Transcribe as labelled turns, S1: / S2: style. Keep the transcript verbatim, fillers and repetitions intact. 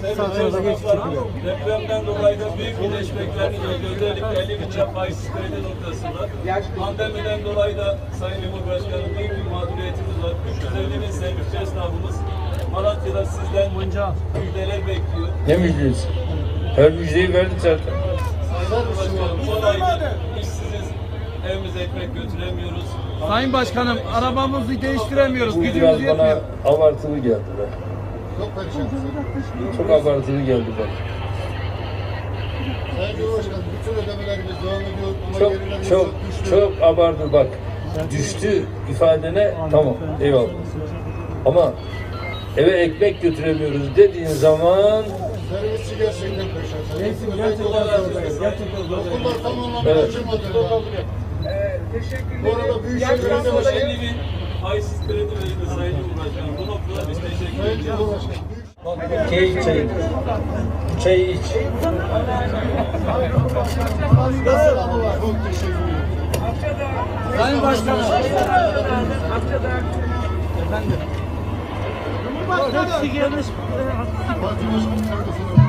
S1: Satırda geçiş çekiliyor.
S2: Depremden dolayı da büyük iyileşmeklerini gördük. Özellikle elli bin çap faizsiz kredi noktasında. Pandemiden dolayı da Sayın Cumhurbaşkanım büyük bir mağduriyetimiz var. üç yüz elli bin sevgili esnafımız Malatya'da sizden müjdeler bekliyor.
S3: Ne müjdesi? Her müjdeyi verdik zaten.
S2: Sayın Cumhurbaşkanım son aydır işsiziz. Evimize ekmek götüremiyoruz.
S1: Sayın Başkanım, arabamızı değiştiremiyoruz.
S3: Bu
S1: Gücümüz
S3: biraz bana
S1: yetmiyor.
S3: abartılı geldi be.
S4: Çok perişansın.
S3: Çok abartılı geldi bana.
S4: Sayın Cumhurbaşkanım bütün ödemelerimiz devam ediyor ama
S3: Çok
S4: gerilerimiz
S3: çok
S4: düştü.
S3: çok abartı bak. Düştü ifadene tamam eyvallah. Ama eve ekmek götüremiyoruz dediğin zaman
S4: Servisçi gerçekten perişan.
S1: Neyse, gerçekten zor. Gerçekten zor.
S4: Okullar tam anlamda
S3: Evet.
S4: açılmadı. Bu arada Büyükşehir
S2: üç yüz
S4: Belediye
S2: elli bin faizsiz kredi verildi Sayın Cumhurbaşkanım. Bu noktada biz teşekkür
S4: Sayın
S2: ediyoruz.
S4: Cumhurbaşkanım.
S3: çay çay. Çay iç.
S4: Nasıl ama çok teşekkür ederim.
S1: Sayın Başkanım. Efendim.
S4: Parti Başkanı kardeşim.